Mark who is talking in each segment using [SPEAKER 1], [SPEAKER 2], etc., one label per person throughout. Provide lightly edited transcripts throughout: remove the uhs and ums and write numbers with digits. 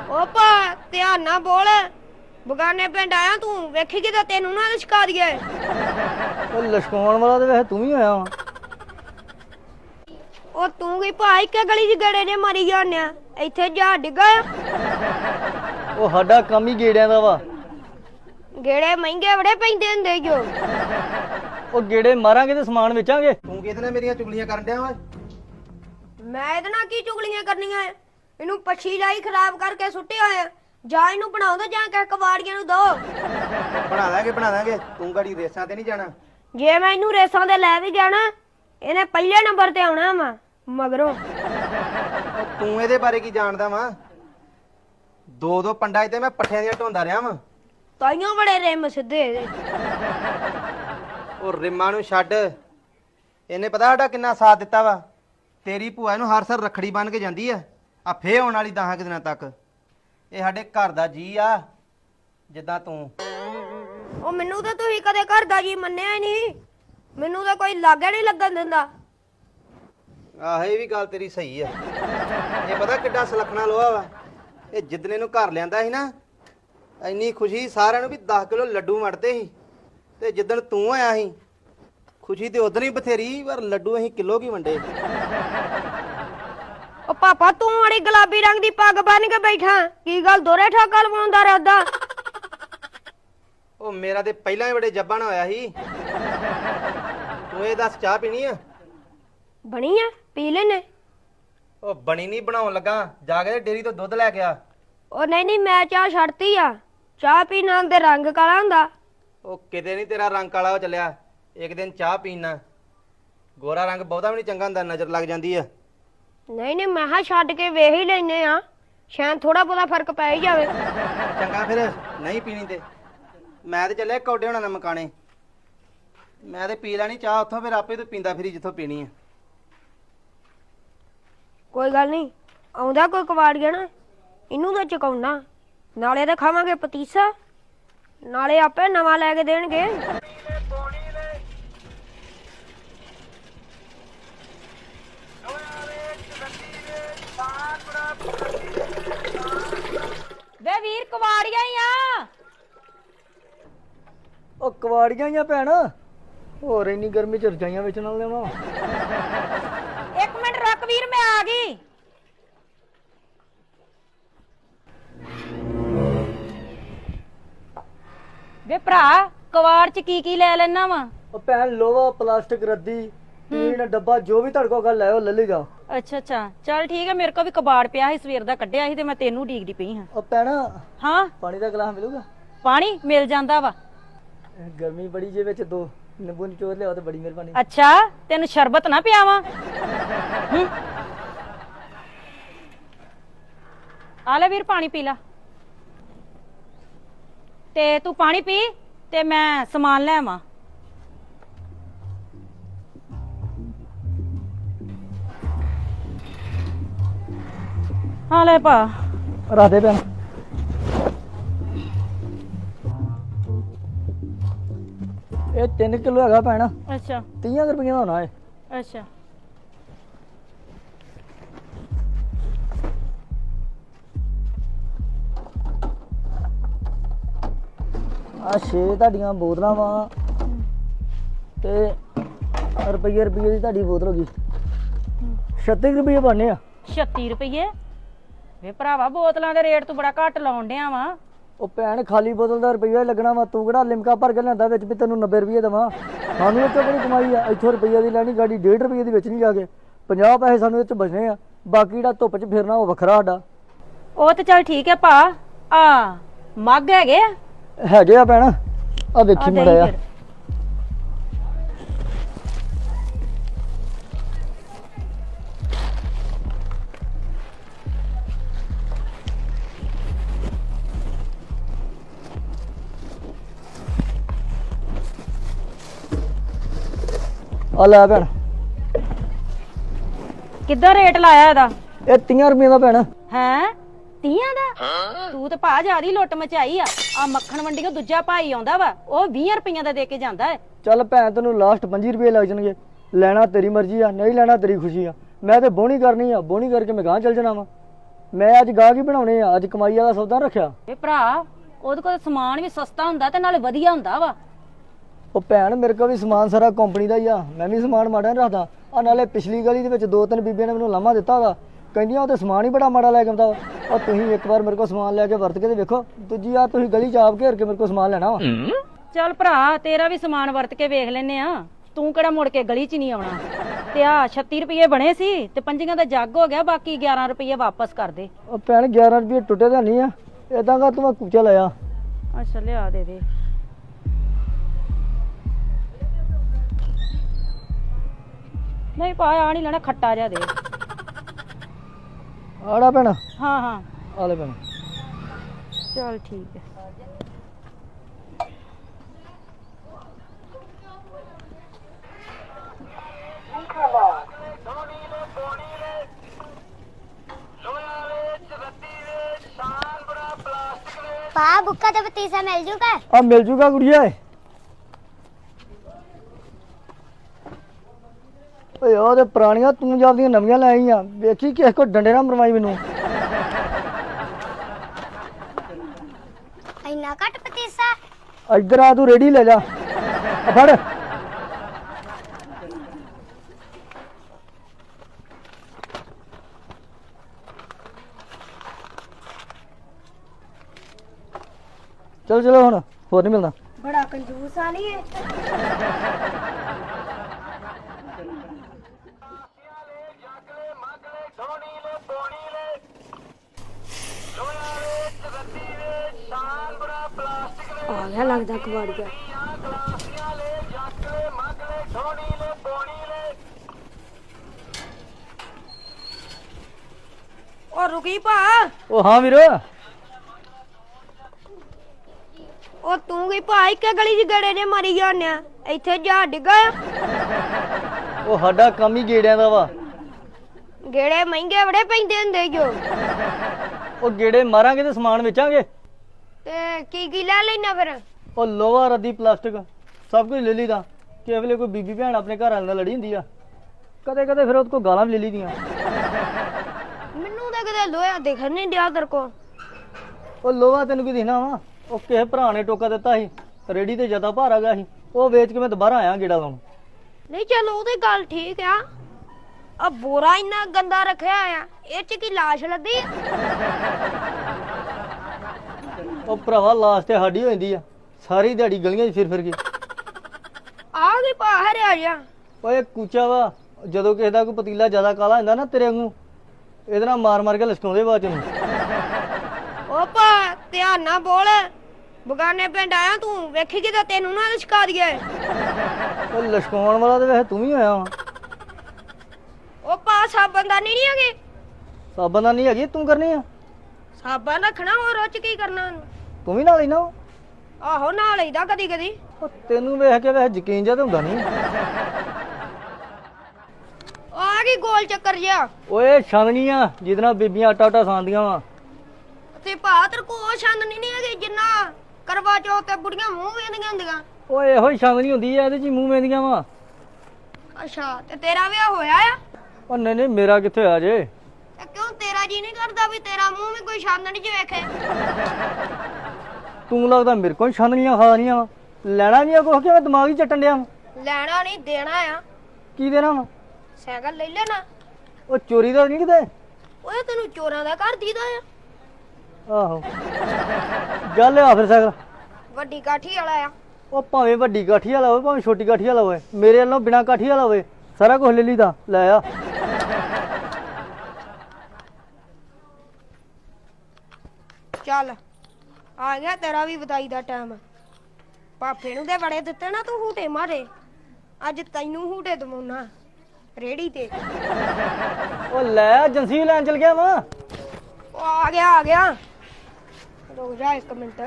[SPEAKER 1] ਓ ਭਾ ਧਿਆਨ ਨਾਲ ਬੋਲ। ਬਗਾਨੇ ਪਿੰਡ ਆਇਆ ਤੂੰ, ਵੇਖੀ ਕਿਤੇ ਤੈਨੂੰ ਨਾ ਲਿਸ਼ਕਾ ਦਈਏ।
[SPEAKER 2] ਉਹ ਲਸ਼ਕਾਉਣ ਵਾਲਾ ਤੇ ਵੈਸੇ ਤੂੰ ਹੀ ਹੋਇਆ ਵਾ।
[SPEAKER 1] ਉਹ ਤੂੰ ਕੀ ਭਾ ਇੱਕ ਗਲੀ 'ਚ ਗੇੜੇ ਜੇ ਮਾਰੀ ਜਾਂਦਿਆ, ਇੱਥੇ ਜਾ ਡਿੱਗਾ ਆ।
[SPEAKER 2] ਉਹ ਸਾਡਾ ਕੰਮ ਹੀ ਗੇੜਿਆਂ ਦਾ ਵਾ।
[SPEAKER 1] ਗੇੜੇ ਮਹਿੰਗੇ ਬੜੇ ਪੈਂਦੇ ਹੁੰਦੇ ਜੋ।
[SPEAKER 2] ਉਹ ਗੇੜੇ ਮਾਰਾਂਗੇ ਤੇ ਸਮਾਨ ਵੇਚਾਂਗੇ।
[SPEAKER 3] ਤੂੰ ਕਿਹਦੇ ਨਾਲ ਮੇਰੀਆਂ ਚੁਗਲੀਆਂ ਕਰਨ ਡਿਆ ਓਏ?
[SPEAKER 1] ਮੈਂ ਇਹਦੇ ਨਾਲ ਕੀ ਚੁਗਲੀਆਂ ਕਰਨੀਆਂ? ਇਹਨੂੰ ਪੱਛੀ ਲਾਈ ਖਰਾਬ ਕਰਕੇ ਸੁੱਟੇ ਹੋਏ। ਜਾਂ ਇਹਨੂੰ ਬਣਾਓ ਤੇ ਜਾਂ ਕਿਸੇ ਕਵਾੜੀਆਂ ਨੂੰ ਦੋ।
[SPEAKER 3] ਬਣਾ ਦਾਂਗੇ। ਤੂੰ ਗਾੜੀ ਰੇਸਾਂ ਤੇ ਨਹੀਂ ਜਾਣਾ।
[SPEAKER 1] ਜੇ ਮੈਂ ਇਹਨੂੰ ਰੇਸਾਂ ਤੇ ਲੈ ਵੀ ਜਾਣਾ, ਇਹਨੇ ਪਹਿਲੇ ਨੰਬਰ ਤੇ ਆਉਣਾ ਵਾ ਮਗਰੋਂ।
[SPEAKER 3] ਤੂੰ ਇਹਦੇ ਬਾਰੇ ਕੀ ਜਾਣਦਾ ਵਾ? ਦੋ ਪੰਡਾਂ ਤੇ ਮੈਂ ਪੱਠਿਆਂ ਦੀਆਂ ਢੋਂਦਾ ਰਿਹਾ ਵਾਂ।
[SPEAKER 1] ਤਾਈਆਂ ਬੜੇ ਰਿਮ ਸਿੱਧੇ ਇਹਦੇ।
[SPEAKER 3] ਉਹ ਰਿਮਾਂ ਨੂੰ ਛੱਡ, ਇਹਨੇ ਪਤਾ ਸਾਡਾ ਕਿੰਨਾ ਸਾਥ ਦਿੱਤਾ ਵਾ। ਤੇਰੀ ਭੂਆ ਇਹਨੂੰ ਹਰ ਸਾਲ ਰੱਖੜੀ ਬੰਨ ਕੇ ਜਾਂਦੀ ਆ ਫੇ ਆਉਣ ਵਾਲੀ 10 ਦਿਨਾਂ ਤੱਕ। ਇਹ ਸਾਡੇ ਘਰ ਦਾ ਜੀ ਆ ਜਿੱਦਾਂ ਤੂੰ।
[SPEAKER 1] ਉਹ ਮੈਨੂੰ ਤਾਂ ਤੁਸੀਂ ਕਦੇ ਘਰ ਦਾ ਜੀ ਮੰਨਿਆ ਹੀ ਨਹੀਂ। ਮੈਨੂੰ ਤਾਂ ਕੋਈ ਲਾਗੇ ਨਹੀਂ ਲੱਗਣ ਦਿੰਦਾ।
[SPEAKER 3] ਆਹ ਇਹ ਵੀ ਗੱਲ ਤੇਰੀ ਸਹੀ ਆ। ਇਹ ਪਤਾ ਕਿੱਡਾ ਸਲਖਣਾ ਲੋਹਾ ਵਾ। ਇਹ ਜਿੱਦਣ ਇਹਨੂੰ ਘਰ ਲਿਆਂਦਾ ਸੀ ਨਾ, ਇੰਨੀ ਖੁਸ਼ੀ ਸਾਰਿਆਂ ਨੂੰ ਵੀ 10 ਕਿਲੋ ਲੱਡੂ ਵੰਡਦੇ ਸੀ। ਤੇ ਜਿੱਦਣ ਤੂੰ ਆਇਆ ਸੀ, ਖੁਸ਼ੀ ਤੇ ਉਦੋਂ ਹੀ ਬਥੇਰੀ, ਪਰ ਲੱਡੂ ਅਸੀਂ ਕਿਲੋ ਕੀ ਵੰਡੇ।
[SPEAKER 1] ਉਹ ਪਾਪਾ ਤੂੰ ਅੜੀ ਗੁਲਾਬੀ ਰੰਗ ਦੀ ਪੱਗ ਬੰਨ ਕੇ ਬੈਠਾ, ਕੀ ਗੱਲ ਦੋਰੇ ਠਾਕਾ ਲਵਾਉਂਦਾ ਰਹਿਦਾ?
[SPEAKER 3] ਉਹ ਮੇਰਾ ਤੇ ਪਹਿਲਾਂ ਹੀ ਬੜੇ ਜੱਬਾਂ ਨਾਲ ਹੋਇਆ ਸੀ। ਤੂੰ ਇਹ ਦੱਸ, ਚਾਹ ਪੀਣੀ ਆ?
[SPEAKER 1] ਬਣੀ ਆ, ਪੀ ਲੈਨੇ।
[SPEAKER 3] ਉਹ ਬਣੀ ਨਹੀਂ, ਬਣਾਉਣ ਲੱਗਾ। ਜਾ ਕੇ ਡੇਰੀ ਤੋਂ ਦੁੱਧ ਲੈ ਕੇ ਆ।
[SPEAKER 1] ਉਹ ਨਹੀਂ ਮੈਂ ਚਾਹ ਛੱਡਤੀ ਆ। ਚਾਹ ਪੀਣ ਨਾਲ ਤੇ ਰੰਗ ਕਾਲਾ ਹੁੰਦਾ।
[SPEAKER 3] ਉਹ ਕਿਤੇ ਨਹੀਂ ਤੇਰਾ ਰੰਗ ਕਾਲਾ ਹੋ ਚੱਲਿਆ। ਇੱਕ ਦਿਨ ਚਾਹ ਪੀਣਾ, ਗੋਰਾ ਰੰਗ ਬਹੁਤਾ ਵੀ ਨਹੀਂ ਚੰਗਾ ਹੁੰਦਾ, ਨਜ਼ਰ ਲੱਗ ਜਾਂਦੀ ਆ।
[SPEAKER 1] ਨਹੀਂ ਮੈਂ ਹਾਂ ਛੱਡ ਕੇ ਵੇਖ ਹੀ ਲੈਨੇ ਆ, ਸ਼ਾਇਦ ਥੋੜਾ ਬਹੁਤਾ ਫਰਕ ਪੈ ਹੀ ਜਾਵੇ।
[SPEAKER 3] ਚੰਗਾ ਫਿਰ ਨਹੀਂ ਪੀਣੀ ਤੇ ਮੈਂ ਤੇ ਚੱਲਿਆ ਕੌਡੇ ਹੋਣਾ ਨਾ ਮਕਾਣੇ। ਮੈਂ ਤੇ ਪੀ ਲੈਣੀ ਚਾਹ ਉੱਥੋਂ, ਫਿਰ ਆਪੇ ਤੂੰ ਪੀਂਦਾ ਫਿਰੀ ਜਿੱਥੋਂ ਪੀਣੀ ਆ।
[SPEAKER 1] ਕੋਈ ਗੱਲ ਨਹੀਂ, ਆਉਂਦਾ ਕੋਈ ਕਵਾੜੀਆ ਨਾ, ਇਹਨੂੰ ਤਾਂ ਚੁਕਾਉਣਾ। ਨਾਲੇ ਤਾਂ ਖਾਵਾਂਗੇ ਪਤੀਸਾ, ਨਾਲੇ ਆਪੇ ਨਵਾਂ ਲੈ ਕੇ ਦੇਣਗੇ।
[SPEAKER 4] ਵੇ ਵੀਰ ਕਵਾੜੀਆਂ ਹੀ ਆ।
[SPEAKER 2] ਉਹ ਕਵਾੜੀਆਂ ਹੀ ਆ ਭੈਣ। ਹੋਰ ਇੰਨੀ ਗਰਮੀ ਚ ਰਜਾਈਆਂ ਵੇਚਣ ਵਾਲੇ ਵਾ।
[SPEAKER 4] ਇੱਕ ਮਿੰਟ ਰੁਕ ਵੀਰ, ਮੈਂ ਆ ਗਈ। ਵੇ ਭਰਾ ਕਵਾੜ ਚ ਕੀ ਲੈ ਲੈਣਾ ਵਾ?
[SPEAKER 2] ਉਹ ਭੈਣ ਲੋਹਾ, ਪਲਾਸਟਿਕ, ਰੱਦੀ, ਟੀਨ, ਡੱਬਾ, ਜੋ ਵੀ ਤੁਹਾਡੇ ਕੋਲ ਗੱਲ ਹੈ ਉਹ ਲੈ ਲਈ ਜਾ।
[SPEAKER 4] ਅੱਛਾ ਚੱਲ ਠੀਕ ਹੈ। ਮੇਰੇ ਕੋਲ ਵੀ ਕਬਾੜ ਪਿਆ ਸੀ, ਸਵੇਰ ਦਾ ਕੱਢਿਆ ਸੀ ਤੇ ਮੈਂ ਤੈਨੂੰ ਡੀਕਦੀ ਪਈ ਹਾਂ।
[SPEAKER 2] ਉਹ ਭੈਣ
[SPEAKER 4] ਹਾਂ
[SPEAKER 2] ਪਾਣੀ ਦਾ ਗਲਾਸ ਮਿਲੂਗਾ?
[SPEAKER 4] ਪਾਣੀ ਮਿਲ ਜਾਂਦਾ ਵਾ।
[SPEAKER 2] ਗਰਮੀ ਬੜੀ ਜੇ, ਵਿੱਚ 2 ਨਿੰਬੂ ਨਿਚੋੜ ਲਿਆਓ ਤੇ ਬੜੀ ਮਿਹਰਬਾਨੀ।
[SPEAKER 4] ਅੱਛਾ ਤੈਨੂੰ ਸ਼ਰਬਤ ਨਾ ਪਿਆਵਾਂ? ਆ ਲੈ ਵੀਰ ਪਾਣੀ ਪੀ ਲਾ। ਤੇ ਤੂੰ ਪਾਣੀ ਪੀ ਤੇ ਮੈਂ ਸਮਾਨ ਲੈ ਆਵਾਂ। ਹਾਂ ਲੈ ਪਾ।
[SPEAKER 2] ਰੱਖ ਦੇ ਭੈਣ। ਇਹ 3 ਕਿਲੋ ਹੈਗਾ ਭੈਣ।
[SPEAKER 4] ਅੱਛਾ
[SPEAKER 2] 30 ਰੁਪਈਆ ਦਾ ਹੋਣਾ ਇਹ।
[SPEAKER 4] ਅੱਛਾ
[SPEAKER 2] ਆ 6 ਤੁਹਾਡੀਆਂ ਬੋਤਲਾਂ ਵਾ ਤੇ ਰੁਪਈਏ ਦੀ ਤੁਹਾਡੀ ਬੋਤਲ ਹੋ ਗਈ। 36 ਰੁਪਈਏ ਬਣਨੇ ਆ।
[SPEAKER 4] 36 ਰੁਪਏ? ਵੇ ਭਰਾਵਾ ਬੋਤਲਾਂ ਦੇ ਰੇਟ ਤੂੰ ਬੜਾ ਘੱਟ ਲਾਉਣ ਡਿਆ ਵਾ।
[SPEAKER 2] ਉਹ ਭੈਣ ਖਾਲੀ ਬੋਤਲ ਦਾ ਰੁਪਈਆ ਲੱਗਣਾ ਵਾ। ਤੂੰ ਕਿਹੜਾ ਲਿਮਕਾ ਭਰ ਕੇ ਲਿਆਂਦਾ ਵਿੱਚ ਵੀ ਤੈਨੂੰ 90 ਰੁਪਈਏ ਦੇਵਾਂ? ਸਾਨੂੰ ਇੱਥੋਂ ਕਿਹੜੀ ਕਮਾਈ ਆ? ਇੱਥੋਂ ਰੁਪਈਆ ਦੀ ਲੈਣੀ, ਗਾੜੀ 1.5 ਰੁਪਈਏ ਦੀ ਵੇਚਣੀ ਜਾ ਕੇ। 50 ਪੈਸੇ ਸਾਨੂੰ ਇੱਥੇ ਬਚਣੇ ਆ। ਬਾਕੀ ਜਿਹੜਾ ਧੁੱਪ 'ਚ ਫਿਰਨਾ ਉਹ ਵੱਖਰਾ ਸਾਡਾ।
[SPEAKER 4] ਉਹ ਤੇ ਚੱਲ ਠੀਕ ਹੈ ਭਾ। ਆ ਮੱਗ ਹੈਗੇ ਆ?
[SPEAKER 2] ਹੈਗੇ ਆ ਭੈਣ, ਆ ਵੇਖੀ ਮੜਿਆ। ਆ ਲੈ ਭੈਣ।
[SPEAKER 4] ਕਿੱਦਾਂ ਰੇਟ ਲਾਇਆ ਇਹਦਾ?
[SPEAKER 2] ਇਹ 30 ਰੁਪਏ ਦਾ ਭੈਣ।
[SPEAKER 4] ਹੈ 30 ਦਾ? ਤੂੰ ਤੇ ਭਾ ਜਿਆਦੀ ਲੁੱਟ ਮਚਾਈ ਆ। ਆ ਮੱਖਣ ਮੰਡੀੋਂ ਦੂਜਾ ਭਾਈ ਆਉਂਦਾ ਵਾ, ਉਹ 20 ਰੁਪਈਆਂ ਦਾ ਦੇ ਕੇ ਜਾਂਦਾ ਹੈ।
[SPEAKER 2] ਚੱਲ ਭੈਣ ਤੈਨੂੰ ਲਾਸਟ 25 ਰੁਪਏ ਲੱਗ ਜਾਣਗੇ। ਲੈਣਾ ਤੇਰੀ ਮਰਜ਼ੀ ਆ, ਨਹੀਂ ਲੈਣਾ ਤੇਰੀ ਖੁਸ਼ੀ ਆ। ਮੈਂ ਤੇ ਬੋਣੀ ਕਰਨੀ ਆ, ਬੋਣੀ ਕਰਕੇ ਮੈਂ ਗਾਂ ਚੱਲ ਜਾਣਾ ਵਾ। ਮੈਂ ਅੱਜ ਗਾਹਕ ਹੀ ਬਣਾਉਣੇ ਆ, ਅੱਜ ਕਮਾਈ ਵਾਲਾ ਸੌਦਾ ਰੱਖਿਆ।
[SPEAKER 4] ਵੇ ਭਰਾ ਉਹਦੇ ਕੋਲ ਸਮਾਨ ਵੀ ਸਸਤਾ ਹੁੰਦਾ ਤੇ ਨਾਲੇ ਵਧੀਆ ਹੁੰਦਾ ਵਾ।
[SPEAKER 2] ਉਹ ਭੈਣ ਮੇਰੇ ਕੋਲ ਵੀ ਸਮਾਨ ਸਾਰਾ ਕੰਪਨੀ ਦਾ ਹੀ ਆ, ਮੈਂ ਵੀ ਸਮਾਨ ਮਾੜਾ ਨਹੀਂ ਰੱਖਦਾ। ਆ ਨਾਲੇ ਪਿਛਲੀ ਗਲੀ ਦੇ ਵਿੱਚ 2-3 ਬੀਬੀਆਂ ਨੇ ਮੈਨੂੰ ਲਾਮਾ ਦਿੱਤਾ ਵਾ, ਕਹਿੰਦੀਆਂ ਉਹ ਤੇ ਸਮਾਨ ਹੀ ਬੜਾ ਮਾੜਾ ਲੈ ਕੇ ਆਉਂਦਾ ਵਾ। ਉਹ ਤੁਸੀਂ ਇੱਕ ਵਾਰ ਮੇਰੇ ਕੋਲ ਸਮਾਨ ਲੈ ਕੇ ਵਰਤ ਕੇ ਤੇ ਵੇਖੋ, ਦੂਜੀ ਵਾਰ ਤੁਸੀਂ ਗਲੀ 'ਚ ਆਪ ਘੇਰ ਕੇ ਮੇਰੇ ਕੋਲ ਸਮਾਨ ਲੈਣਾ ਵਾ।
[SPEAKER 4] ਚੱਲ ਭਰਾ ਤੇਰਾ ਵੀ ਸਮਾਨ ਵਰਤ ਕੇ ਵੇਖ ਲੈਨੇ ਆ, ਤੂੰ ਕਿਹੜਾ ਮੁੜ ਕੇ ਗਲੀ 'ਚ ਨਹੀਂ ਆਉਣਾ। ਤੇ ਆ 36 ਰੁਪਏ ਬਣੇ ਸੀ ਤੇ 5 ਦਾ ਜੱਗ ਹੋ ਗਿਆ, ਬਾਕੀ 11 ਰੁਪਏ ਵਾਪਸ ਕਰ ਦੇ।
[SPEAKER 2] ਉਹ ਭੈਣ 11 ਰੁਪਏ ਟੁੱਟੇ ਤਾਂ ਨਹੀਂ ਆ, ਏਦਾਂ ਕਰ ਤੂੰ ਮੈਂ ਕੁਚਾ ਲਿਆ।
[SPEAKER 4] ਅੱਛਾ ਲਿਆ ਦੇ ਦੇ। ਨਹੀਂ ਪਾਇਆ ਨਹੀਂ ਲੈਣਾ, ਖੱਟਾ ਜਿਹਾ ਦੇ।
[SPEAKER 2] ਆੜਾ ਭੈਣ,
[SPEAKER 4] ਹਾਂ ਹਾਂ
[SPEAKER 2] ਆ ਲੈ ਭੈਣ।
[SPEAKER 4] ਚੱਲ ਠੀਕ ਹੈ।
[SPEAKER 5] ਪਾ ਬੁੱਕਾ ਤੇ ਪਤੀਸਾ ਮਿਲ ਜੂਗਾ?
[SPEAKER 2] ਆ ਮਿਲ ਜੂਗਾ ਗੁੜੀਆ। ਓਏ ਉਹ ਤੇ ਪੁਰਾਣੀਆਂ ਤੂੰ ਜਾਂਦੀਆਂ ਨਵੀਆਂ ਲੈ ਆਈ ਆ, ਵੇਖੀ ਕਿਸ ਕੋ ਡੰਡੇ ਨਾਲ ਮਰਵਾਈ ਮੈਨੂੰ।
[SPEAKER 5] ਇੰਨਾ ਘੱਟ ਪਤੀਸਾ?
[SPEAKER 2] ਇੱਧਰ ਆ ਤੂੰ ਰੇੜੀ ਲੈ ਜਾ, ਆ ਫੜ। ਚਲ ਚਲੋ ਹੁਣ, ਹੋਰ ਨਹੀਂ ਮਿਲਦਾ।
[SPEAKER 1] ਬੜਾ ਕੰਜੂਸ ਆ ਨਹੀਂ ਇਹ। ਆ ਗਿਆ ਲੱਗਦਾ ਕਬਾੜੀਆ। ਉਹ ਰੁਕੀ ਭਾ।
[SPEAKER 2] ਉਹ ਹਾਂ ਵੀਰ।
[SPEAKER 1] ਉਹ ਤੂੰ ਕੀ ਭਾ ਇੱਕ ਗਲੀ 'ਚ ਗੇੜੇ ਨੇ ਮਾਰੀ ਜਾਂਦਿਆ, ਇੱਥੇ ਜਾ ਡਿੱਗਾ ਆ।
[SPEAKER 2] ਉਹ ਸਾਡਾ ਕੰਮ ਹੀ ਗੇੜਿਆਂ ਦਾ ਵਾ।
[SPEAKER 1] ਗੇੜੇ ਮਹਿੰਗੇ ਬੜੇ ਪੈਂਦੇ ਹੁੰਦੇ ਜੋ।
[SPEAKER 2] ਉਹ ਗੇੜੇ ਮਾਰਾਂਗੇ ਤੇ ਸਮਾਨ ਵੇਚਾਂਗੇ।
[SPEAKER 1] ਤੇ ਕੀ ਲੈ ਲੈਣਾ ਫਿਰ?
[SPEAKER 2] ਉਹ ਲੋਹਾ, ਰੱਦੀ, ਪਲਾਸਟਿਕ ਸਭ ਕੁਝ ਲੈ ਲਈਦਾ। ਕਿਸੇ ਵੇਲੇ ਕੋਈ ਬੀਬੀ ਭੈਣ ਆਪਣੇ ਘਰ ਵਾਲੇ ਨਾਲ ਲੜੀ ਹੁੰਦੀ ਆ, ਕਦੇ ਕਦੇ ਫਿਰ ਉਹਦੇ ਕੋਲ ਗਾਲਾਂ ਵੀ ਲੈ ਲਈਦੀਆਂ।
[SPEAKER 1] ਮੈਨੂੰ ਤਾਂ ਕਿਤੇ ਲੋਹਾ ਦਿਖਣ ਨਹੀਂ ਡਿਆ ਤੇਰੇ ਕੋ।
[SPEAKER 2] ਉਹ ਲੋਹਾ ਤੈਨੂੰ ਕੀ ਦਿਖਣਾ ਵਾ? ਉਹ ਕਿਸੇ ਭਰਾ ਨੇ ਟੋਕਾ ਦਿੱਤਾ ਸੀ, ਰੇੜੀ ਤੇ ਜ਼ਿਆਦਾ ਭਾਰ ਆ ਗਿਆ ਸੀ, ਉਹ ਵੇਚ ਕੇ ਮੈਂ ਦੁਬਾਰਾ ਆਇਆ ਗੇੜਾ ਲਾਉਣ।
[SPEAKER 1] ਨਹੀਂ ਚਲ ਉਹਦੀ ਗੱਲ ਠੀਕ ਆ। ਆ ਬੋਰਾ ਇੰਨਾ ਗੰਦਾ ਰੱਖਿਆ ਆ, ਇਹ 'ਚ ਕੀ ਲਾਸ਼ ਲੱਦੀ ਆ?
[SPEAKER 2] ਉਹ ਭਰਾਵਾ ਲਾਸ਼ ਤੇ ਸਾਡੀ ਹੋ ਜਾਂਦੀ ਆ, ਸਾਰੀ ਦਿਹਾੜੀ ਗਲੀਆਂ 'ਚ ਫਿਰ ਫਿਰ ਕੇ।
[SPEAKER 1] ਆ ਕੀ ਭਾ ਹਰਿਆ ਜਾ?
[SPEAKER 2] ਓਏ ਕੂਚਾ ਵਾ, ਜਦੋਂ ਕਿਸੇ ਦਾ ਕੋਈ ਪਤੀਲਾ ਜ਼ਿਆਦਾ ਕਾਲਾ ਹੁੰਦਾ ਨਾ ਤੇਰੇ ਵਾਂਗੂ, ਇਹਦੇ ਨਾਲ ਮਾਰ ਮਾਰ ਕੇ ਲਸਕਾਉਂਦੇ ਬਾਅਦ ਚ ਨੂੰ।
[SPEAKER 1] ਉਹ ਭਾ ਧਿਆਨ ਨਾਲ ਬੋਲ, ਬਗਾਨੇ ਪਿੰਡ ਆਇਆ ਤੂੰ, ਵੇਖੀ ਕਿਤੇ ਤੈਨੂੰ ਨਾ ਲਿਸ਼ਕਾ ਦਈਏ।
[SPEAKER 2] ਉਹ ਲਸ਼ਕਾਉਣ ਵਾਲਾ ਤੇ ਵੈਸੇ ਤੂੰ ਵੀ ਹੋਇਆ ਵਾ।
[SPEAKER 1] ਉਹ ਭਾ ਸਾਬਣ ਦਾ ਨਹੀਂ ਹੈਗੇ?
[SPEAKER 2] ਸਾਬਣ ਦਾ ਨਹੀਂ ਹੈਗੀ, ਤੂੰ ਕਰਨੀ ਆ।
[SPEAKER 1] ਸਾਬਣ ਰੱਖਣਾ ਹੋਰ ਉਹ 'ਚ ਕੀ ਕਰਨਾ ਉਹਨੂੰ?
[SPEAKER 2] ਤੂੰ ਵੀ ਨਾਲ ਹੀ ਨਾ।
[SPEAKER 1] ਆਹੋ ਨਾਲ ਲਈਦਾ ਕਦੀ ਕਦੀ।
[SPEAKER 2] ਉਹ ਤੈਨੂੰ ਵੇਖ ਕੇ ਵੈਸੇ ਯਕੀਨ ਜਿਹਾ ਤਾਂ ਹੁੰਦਾ ਨਹੀਂ।
[SPEAKER 1] ਆ ਕੀ ਗੋਲ ਚੱਕਰ ਜਿਹਾ?
[SPEAKER 2] ਓਏ ਛਾਨਣੀਆਂ ਜਿਹਦੇ ਨਾਲ ਬੀਬੀਆਂ ਆਟਾ ਉਟਾ ਸਾਂਦੀਆਂ ਵਾ।
[SPEAKER 1] ਤੇ ਭਾ ਤੇਰੇ ਕੋ ਉਹ ਛਾਨਣੀ ਨਹੀਂ ਹੈਗੀ ਜਿੰਨਾ ਕਰਵਾ ਚੌਥ ਤੇ ਬੁੜੀਆਂ ਮੂੰਹ ਵੇਂਦੀਆਂ ਹੁੰਦੀਆਂ?
[SPEAKER 2] ਓਏ ਇਹੋ ਹੀ ਛਾਨਣੀ ਹੁੰਦੀ ਆ, ਇਹਦੇ ਚ ਹੀ ਮੂੰਹ ਵੇਂਦੀਆਂ ਵਾ।
[SPEAKER 1] ਅੱਛਾ ਤੇ ਤੇਰਾ ਵਿਆਹ ਹੋਇਆ ਆ?
[SPEAKER 2] ਉਹ ਨਹੀਂ ਨਹੀਂ, ਮੇਰਾ ਕਿੱਥੇ ਹੋਇਆ ਜੇ।
[SPEAKER 1] ਤੇ ਕਿਉਂ ਤੇਰਾ ਜੀ ਨਹੀਂ ਕਰਦਾ ਵੀ ਤੇਰਾ ਮੂੰਹ ਵੀ ਕੋਈ ਛਾਨਣੀ 'ਚ ਵੇਖੇ?
[SPEAKER 2] ਤੂੰ ਲੱਗਦਾ ਮੇਰੇ ਕੋਲ ਛਾਨਣੀਆਂ ਖਾ ਰਹੀਆਂ ਵਾ। ਲੈਣਾ ਨਹੀਂ ਆ ਕੁਛ ਕਿ ਮੈਂ ਦਿਮਾਗ ਹੀ ਚੱਟਣ ਡਿਆ ਵਾਂ।
[SPEAKER 1] ਲੈਣਾ ਨਹੀਂ ਦੇਣਾ ਆ।
[SPEAKER 2] ਕੀ ਦੇਣਾ ਵਾ?
[SPEAKER 1] ਸਾਈਕਲ ਲੈ ਲੈਣਾ।
[SPEAKER 2] ਉਹ ਚੋਰੀ ਦਾ ਨਹੀਂ ਕਿਤੇ?
[SPEAKER 1] ਓਏ ਤੈਨੂੰ ਚੋਰਾਂ ਦਾ ਘਰ ਦੀਦਾ ਆ?
[SPEAKER 2] ਆਹੋ ਜਾ ਲਿਆ ਫਿਰ ਸਾਈਕਲ।
[SPEAKER 1] ਵੱਡੀ ਕਾਠੀ ਵਾਲਾ ਆ?
[SPEAKER 2] ਉਹ ਭਾਵੇਂ ਵੱਡੀ ਕਾਠੀ ਵਾਲਾ ਹੋਵੇ ਭਾਵੇਂ ਛੋਟੀ ਕਾਠੀ ਵਾਲਾ ਹੋਵੇ, ਮੇਰੇ ਵੱਲੋਂ ਬਿਨਾ ਕਾਠੀ ਵਾਲਾ ਹੋਵੇ, ਸਾਰਾ ਕੁਝ ਲੈ ਲਈਦਾ। ਲੈ ਆ।
[SPEAKER 1] ਚੱਲ ਆ ਗਿਆ ਤੇਰਾ ਵੀ ਵਧਾਈ ਦਾ ਟਾਈਮ। ਪਾਪੇ ਨੂੰ ਤੇ ਬੜੇ ਦਿੱਤੇ ਨਾ ਤੂੰ ਹੂਟੇ ਮਾਰੇ, ਅੱਜ ਤੈਨੂੰ ਹੂਟੇ ਦਵਾਉਣਾ ਰੇੜੀ ਤੇ।
[SPEAKER 2] ਉਹ ਲੈ ਏਜੰਸੀ ਲੈਣ ਚਲ ਗਿਆ ਵਾ।
[SPEAKER 1] ਉਹ ਆ ਗਿਆ ਰੁਕ ਜਾ 1 ਮਿੰਟ।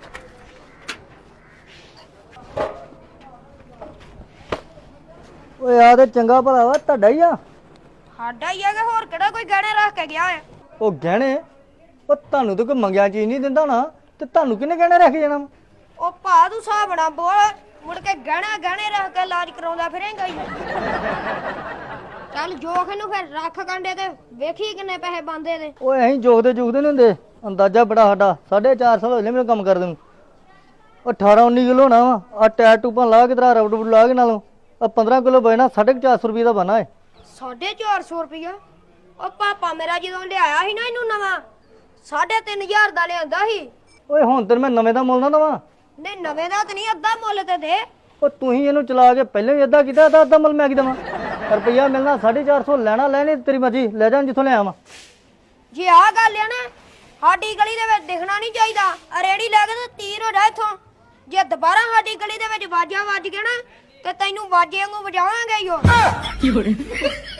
[SPEAKER 2] ਓਏ ਆ ਤੇ ਚੰਗਾ ਭਲਾ ਵਾ, ਤੁਹਾਡਾ ਹੀ ਆ।
[SPEAKER 1] ਸਾਡਾ ਹੀ ਆ ਕਿ ਹੋਰ ਕਿਹੜਾ ਕੋਈ ਗਹਿਣੇ ਰੱਖ ਕੇ ਗਿਆ ਹੈ?
[SPEAKER 2] ਉਹ ਗਹਿਣੇ? ਉਹ ਤੁਹਾਨੂੰ ਤਾਂ ਕੋਈ ਮੰਗਿਆ ਚੀਜ਼ ਨਹੀਂ ਦਿੰਦਾ ਨਾ, ਤੇ ਤੁਹਾਨੂੰ ਕਿਹਨੇ ਗਹਿਣੇ ਰੱਖ ਜਾਣਾ ਵਾ?
[SPEAKER 1] ਉਹ ਭਾ ਤੂੰ ਹਿਸਾਬ ਨਾ ਬੋਲ, ਮੁੜ ਕੇ ਗਹਿਣੇ ਰੱਖ ਕੇ ਇਲਾਜ ਕਰਾਉਂਦਾ ਫਿਰੇਂਗਾ ਹੀ। ਚੱਲ ਜੋਖ ਨੂੰ ਫਿਰ ਰੱਖ ਕੰਡੇ ਤੇ ਵੇਖੀ ਕਿੰਨੇ ਪੈਸੇ ਬੰਦੇ ਦੇ।
[SPEAKER 2] ਓਏ ਅਸੀਂ ਜੋਗਦੇ ਨਹੀਂ ਹੁੰਦੇ, ਅੰਦਾਜ਼ਾ ਬੜਾ ਸਾਡਾ 4.5 ਸਾਲ ਹੋਏ ਮੈਨੂੰ ਕੰਮ ਕਰਦੇ ਨੂੰ। ਉਹ 18-19 ਕਿਲੋ ਹੋਣਾ ਵਾ, ਆ ਟਾਇਰ ਟੂਪਾਂ ਲਾ ਕੇ ਤੇਰਾ ਰਬੜ ਲਾ ਕੇ ਨਾਲੋਂ ਆ 15 ਕਿਲੋ ਬਣਾ 450 ਰੁਪਏ ਦਾ ਬਣਾ ਏ।
[SPEAKER 1] 450 ਰੁਪਇਆ? ਉਹ ਪਾਪਾ ਮੇਰਾ ਜਦੋਂ ਲਿਆਇਆ ਸੀ ਨਾ ਇਹਨੂੰ ਨਵਾਂ 3500 ਦਾ ਲਿਆਂਦਾ ਸੀ।
[SPEAKER 2] ਓਏ ਹੁਣ ਤੇ ਮੈਂ ਨਵੇਂ ਦਾ ਮੁੱਲ ਨਾ ਦਵਾਂ।
[SPEAKER 1] ਨਹੀਂ ਨਵੇਂ ਦਾ ਤਾਂ ਨਹੀਂ, ਅੱਧਾ ਮੁੱਲ ਤੇ ਦੇ।
[SPEAKER 2] ਉਹ ਤੂੰ ਹੀ ਇਹਨੂੰ ਚਲਾ ਕੇ ਪਹਿਲਾਂ ਹੀ ਅੱਧਾ ਕੀਤਾ ਤਾਂ ਅੱਧਾ ਮੁੱਲ ਮੈਂ ਕੀ ਦੇਵਾਂ? ਰੁਪਈਆ ਮਿਲਣਾ 450 ਲੈਣਾ ਲੈਣੀ ਤੇਰੀ ਮਰਜ਼ੀ, ਲੈ ਜਾ ਜਿੱਥੋਂ ਲਿਆ ਵਾ।
[SPEAKER 1] ਜੇ ਆਹ ਗੱਲ ਆ ਨਾ ਸਾਡੀ ਗਲੀ ਦੇ ਵਿੱਚ ਦਿਖਣਾ ਨਹੀਂ ਚਾਹੀਦਾ। ਰੇੜੀ ਲੈ ਕੇ ਤੇ ਤੀਰ ਹੋ ਜਾ ਇੱਥੋਂ। ਜੇ ਦੁਬਾਰਾ ਸਾਡੀ ਗਲੀ ਦੇ ਵਿੱਚ ਵਾਜਾ ਵੱਜ ਗਿਆ ਨਾ ਤੇ ਤੈਨੂੰ ਵਾਜੇ ਵਾਂਗੂ ਵਜਾਵਾਂਗੇ ਹੀ ਉਹ।